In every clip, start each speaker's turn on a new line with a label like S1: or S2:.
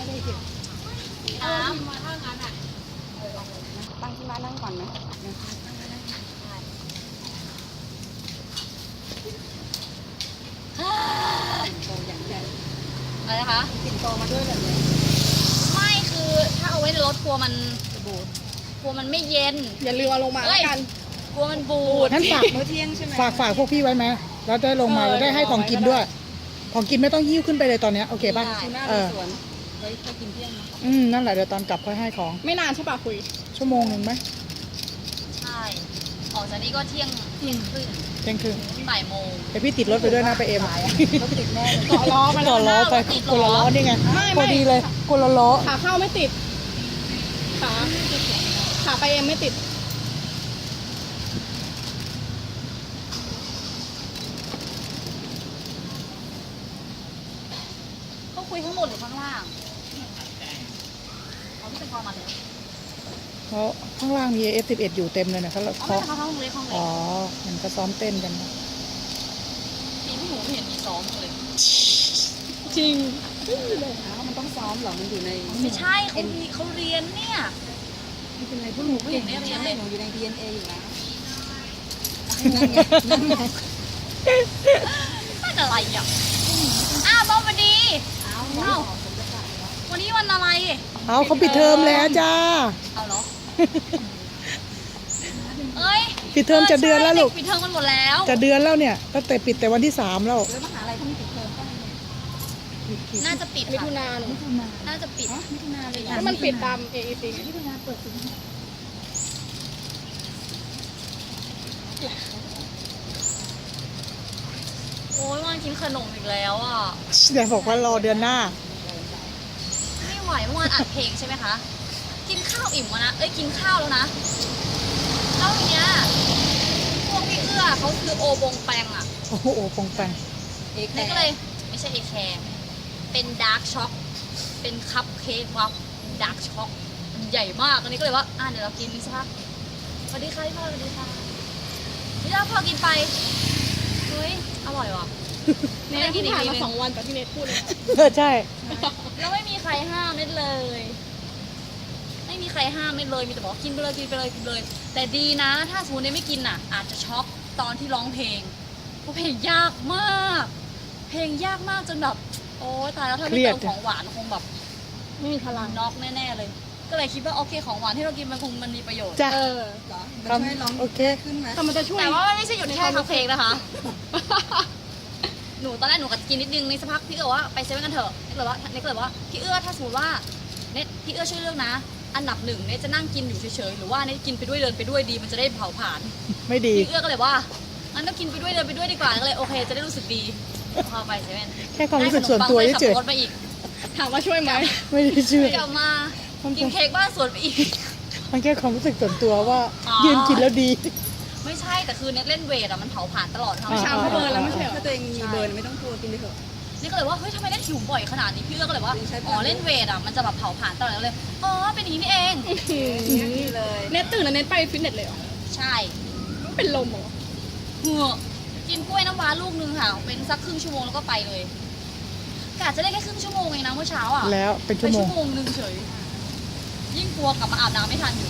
S1: ได้เก็บ
S2: น้
S1: มาถ้างั้นอ่ะตั้งที่บ้านนั่งก่อนไหมโตอย่างใหญ่
S2: ำอะไรนะคะ
S1: ปิ่นโตมาด้วยแบบนี้
S2: ไม่คือถ้าเอาไว้ในรถกลัวมันบูดกลัวมันไม่เย็น
S1: อย่าลืมเอาลงมาแล้วกัน
S2: กลัวมันบูด
S3: งั้นฝาก
S1: มื้อเที่ยงใช่ไหม
S3: ฝากพวกพี่ไว้ไหมแล้วได้ลงมาแล้วได้ให้ของกินด้วย ของกินไม่ต้องหิ้วขึ้นไปเลยตอนเนี้ยโอเคป่ะ
S1: ทูน่าในสวนไว้ไปกินเที่ยงนะ
S3: นั่นแหละเดี๋ยวตอนกลับค่อยให้ของ
S1: ไม่นานใช่ป่ะคุย
S3: ชั่วโมงหนึ่งไหม
S2: ใช่ออกจากนี้ก็เที่ยงครึ่ง
S3: เที่ยงครึ่ง
S2: ถึงบ่ายโมง
S3: เดี๋ยวพี่ติดรถไปด้วยนะไปเอ็ม
S1: รถติดแน่เลยต่อล้อมา
S3: ต่อล้อไปคนละล้อนี่ไงพอดีเลยคนละล้อ
S1: ขาเข้าไม่ติดขาไปเองไม่ติด
S2: เขาคุยทั้งหมดหรือข้างล่างเขาไม่เป็นคอมาเลย
S3: เพราะข้างล่างมี F11 อยู่เต็มเลยนะเขา
S2: อ๋อไม่เขาห้องเล็กห้องเล็
S3: อ๋
S2: ก
S3: อมันก็ซ้อมเต้นกันนะ
S2: ปีที่หนูไม่เห็นมีซ้อมเลย
S1: จริง
S4: มันต้องซ้อมเหรอ มันอยู่ใน
S2: ไม่ใช่เขาเรียนเนี่ย
S4: ไม่เป็นไรพวกหนู
S2: ไม่เห็นได้เรียนเลย
S4: หนูอยู่ใน DNA อยู่แล้ว
S2: น่าจะอะไรอ่ะอ้าวต้อมวันดีอ้าววันนี้วันอะไร
S3: เอาเขาปิดเทอมแล้วจ้า
S2: เอาเหรอ เอ้ย
S3: ปิดเทอมจะเดือนแล้วลูก
S2: ใช่ปิดเทอมมันหมดแล้ว
S3: จะเดือนแล้วเนี่ยตั้งแต่ปิดแต่วันที่3แล้ว
S4: แล้วมหาลัยเขามีปิดเทอมป่ะ
S2: น่าจะปิด
S1: มิ
S2: ค่ะ
S1: ถุนาหนู
S2: น่าจะปิด
S4: มิถุนาเลย
S1: ถ้ามันปิดตาม AEC ไง
S4: มิถุนาเปิดสิงหา
S2: โอ้ยวันกินขนมอีกแล้วอ่ะ
S3: เดี๋ยวบอกว่ารอเดือนหน้า
S2: ไม่ไหวเมื่อวานอัดเพลงใช่ไหมคะ กินข้าวอิ่มวะนะ เอ้ยกินข้าวแล้วนะแล้วทีเนี้ยพวกพี่เอื้อเขาคือโอบงแปงอ่ะ
S3: โอ้โหปองแปง
S2: นี่ก็เลยไม่ใช่เอแคร์เป็นดาร์กช็อก เป็นคัพเค้กวัฟดาร์กช็อกมันใหญ่มากอันนี้ก็เลยว่าเดี๋ยวเรากินนี่สักพักสวัสดีค่ะพี่พ่อสวัสดีค่ะพี่พ่อพอกินไป เฮ้ย อร่อยว่ะ
S1: เนทที่ผ่านมา2 วันแต่ที่เนทพูดเลย
S3: ใช่
S2: แล้วไม่มีใครห้ามเน็ตเลย ไม่มีใครห้ามเน็ตเลย มีแต่บอกกินไปเลยกินไปเลยกินไปเลย แต่ดีนะ ถ้าสมมติเน็ตไม่กินอ่ะ อาจจะช็อกตอนที่ร้องเพลง เพราะเพลงยากมาก เพลงยากมากจนแบบ โอ๊ยตายแล้วถ้าไม่เติมของหวานคงแบบ
S1: ไม่มีพลัง
S2: น็อกแน่ๆเลย ก็เลยคิดว่าโอเคของหวานที่เรากินมันคงมันมีประโยชน์
S3: จ้ะ
S4: เหรอมันช่วยร้อง
S3: โอเค
S4: ขึ้นไหม
S1: แต่มันจะช่วย
S2: แต่ว่ามันไม่ใช่หยุดแค่คัพเค้กนะคะ หนูตอนแรกหนูก็กินนิดนึงในสักพักพี่ก็บอกว่าไปเซเว่นกันเถอะนี่ก็เลยว่าพี่เอื้อถ้าสมมติว่าเน็ตพี่เอื้อช่วยเลือกนะ อันดับ1เน็ตจะนั่งกินอยู่เฉยๆหรือว่าเน็ตกินไปด้วยเดินไปด้วยดีมันจะได้เผาผลาญ
S3: ไม่ดี
S2: พี่เอื้อก็เลยว่างั้นก็กินไปด้วยเดินไปด้วยดีกว่าก็เลยโอเคจะได้รู้สึกดีพอไปเซเว่น
S3: แค่ความรู้สึกส่วนตัว
S2: ได้ข
S3: เฉ
S2: นม
S3: ย
S2: ปังด้วยขับรถมาอีก
S1: ถามว่าช่วยไหม
S3: ๆไม่ได้ชื่อก
S2: ลับมากินเค้กบ้านสวนไปอีก
S3: มันแค่ความรู้สึกส่วนตัวว่า
S2: อ๋อ
S3: ยืนกินแล้วดี
S2: ไม่ใช่แต่คือเน็ตเล่นเวทอะมันเผาผลาญตลอดทั้ง
S3: อ่า
S1: ชามเขาเบิร์นแล้วไม่ใช่เหรอ
S4: ถ้าตัวเองมีเบิร์นไม่ต้องกลัวกินไปเถอะ
S2: นี่ก็เลยว่าเฮ้ยทำไมเล่นหิวบ่อยขนาดนี้พี่เอื้อก็เลยว่า
S4: ใช้พลัง
S2: อ๋อเล่นเวทอะมันจะแบบเผาผลาญตลอดเลยอ๋อเป็นอย่างนี้นี่เอง
S4: นี่เลย
S1: เนทตื่นแล้วเนทไปฟิตเนสเลยเหรอ
S2: ใช่
S1: ไม่เป็นลมเหรอ
S2: เหงื่อกินกล้วยน้ำว้าลูกนึงค่ะเป็นสักครึ่งชั่วโมงแล้วก็ไปเลยกะจะได้แค่ครึ่งชั่วโมงเองนะเมื่อเช้าอ่ะ
S3: แล้วเป็น
S2: ไป
S3: ชั่วโมง
S2: ชั่วโมงนึงเฉยยิ่งกลัวกลับมาอาบน้ำไม่ทันอยู่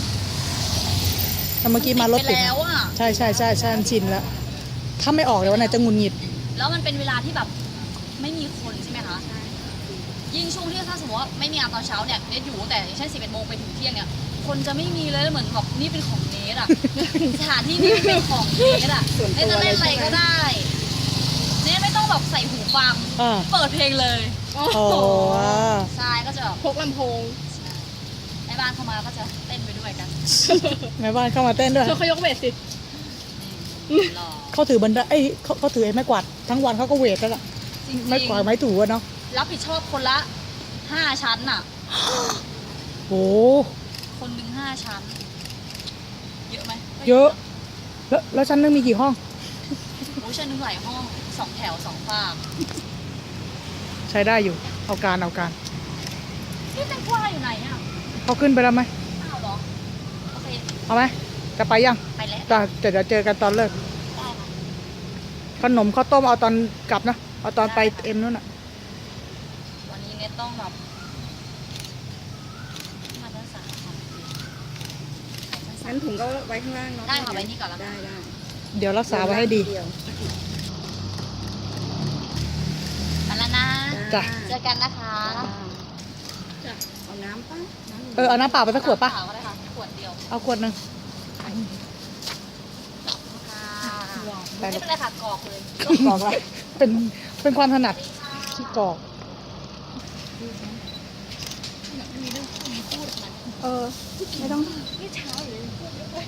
S3: แต่เมื่อกี้มารถ
S2: ไป
S3: ติด
S2: แล้วอ่ะ
S3: ใช่ใช่ใช่ใช่มันชินแล้ว ถ้าไม่ออกเดี๋ยววันไหนจะหงุนหงิด
S2: แล้วมันเป็นเวลาที่แบบไม่มีคนใช่ไหมคะยิ่งช่วงที่ถ้าสมมติว่าไม่มีงานตอนเช้าเนี่ยเนทอยู่แต่อย่างเช่น11 โมงไปถึงเที่ยงเนี่ยคนจะไม่มีเลยเหมือนแบบนี่เป็นของเนทอ่ะ สถานที่นี่เป็นของเนทอ่ะเนทจะเล่นอะไรก็ได้เนทไม่ต้องแบบใส่หูฟัง
S3: อ่า
S2: เปิดเพลงเลย
S1: โอ้
S3: โอ้
S1: โห
S2: ใช่ก็จะแบบ
S1: พกลำโพง
S2: ในบ้านเข้ามาก็จะเต้นไปด้วยกัน
S3: แม่บ้านเข้ามาเต้นด้วย
S1: เธอเขายกเวทสิ
S2: รอ
S3: เขาถือบันไดเอ้ยเขาถือไอ้ไม้กวาดทั้งวันเขาก็เวทแล้วล่ะ
S2: จริง
S3: ไม้กวาดไม้ถูอะเนาะ
S2: รับผิดชอบคนละ5 ชั้นน่ะ
S3: โอ้
S2: คนหนึ่ง5 ชั้น เยอะไหม
S3: เยอะ แล้วชั้นนึงมีกี่ห้อง
S2: โอ้ชั้นหนึ่งหลายห้อง2 แถว 2 ฝั่ง
S3: ใช้ได้อยู่ เอาการ
S2: พี่แตงกวาอยู่ไหนอ่ะ
S3: เขาขึ้นไปแล้วไหม
S2: อ้าวเหรอ โอเค
S3: เอาไหมจะไปยัง
S2: ไปแล้ว
S3: แต่เดี๋ยวเจอกันตอนเลิก
S2: ได้ค่ะ
S3: ขนมข้าวต้มเอาตอนกลับนะ เอาตอนไปเอ็มนู่นน่ะ
S2: วันนี้เน็ตต้องแบบ
S4: งั้นถุงก็ไว้ข้างล่างเนาะ
S2: ได้ค่ะไว้นี่ก่อนแล้วกัน
S4: ได้
S3: เดี๋ยวรักษาไว้ให้ดี
S4: เยว
S2: ไปแล้วนะ
S3: จ้ะ
S2: เจอกันนะคะ
S4: จ้ะเอาน้ำป่ะน้ำ
S3: เอาน้ำเปล่าไปสักขวดปะ
S2: เปล่าก็ได้ค่ะขวดเดียว
S3: เอาขวดหนึ่ง
S2: ค่ะ
S3: ได้
S2: ไม่
S3: ลูก
S2: เป็นไรค่ะกรอกเลย
S3: กรอกละเป็นความถนัดที่กรอก
S4: ไม่ต้อง
S2: นี่เช้าอยู่เลย